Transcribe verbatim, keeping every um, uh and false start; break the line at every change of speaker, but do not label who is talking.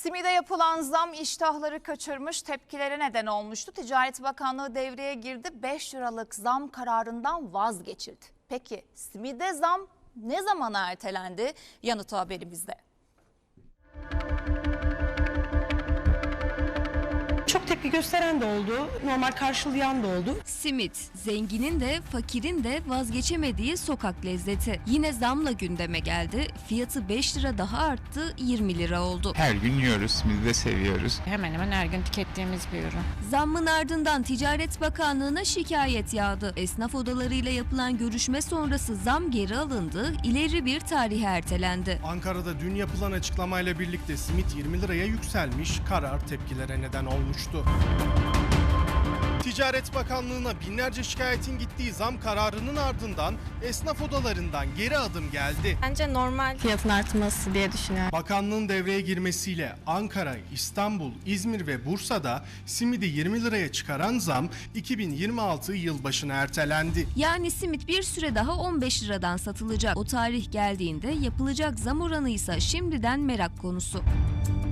Simide yapılan zam iştahları kaçırmış, tepkilere neden olmuştu. Ticaret Bakanlığı devreye girdi, beş liralık zam kararından vazgeçildi. Peki simide zam ne zamana ertelendi? Yanıtı haberimizde.
Çok tepki gösteren de oldu, normal karşılayan da oldu.
Simit, zenginin de fakirin de vazgeçemediği sokak lezzeti. Yine zamla gündeme geldi. Fiyatı beş lira daha arttı, yirmi lira oldu.
Her gün yiyoruz, simidi de seviyoruz.
Hemen hemen her gün tükettiğimiz bir ürün.
Zammın ardından Ticaret Bakanlığı'na şikayet yağdı. Esnaf odalarıyla yapılan görüşme sonrası zam geri alındı, ileri bir tarihe ertelendi.
Ankara'da dün yapılan açıklamayla birlikte simit yirmi liraya yükselmiş, karar tepkilere neden olmuştu. Ticaret Bakanlığı'na binlerce şikayetin gittiği zam kararının ardından esnaf odalarından geri adım geldi.
Bence normal fiyatın artması diye düşünüyorum.
Bakanlığın devreye girmesiyle Ankara, İstanbul, İzmir ve Bursa'da simidi yirmi liraya çıkaran zam iki bin yirmi altı yılbaşına ertelendi.
Yani simit bir süre daha on beş liradan satılacak. O tarih geldiğinde yapılacak zam oranı ise şimdiden merak konusu.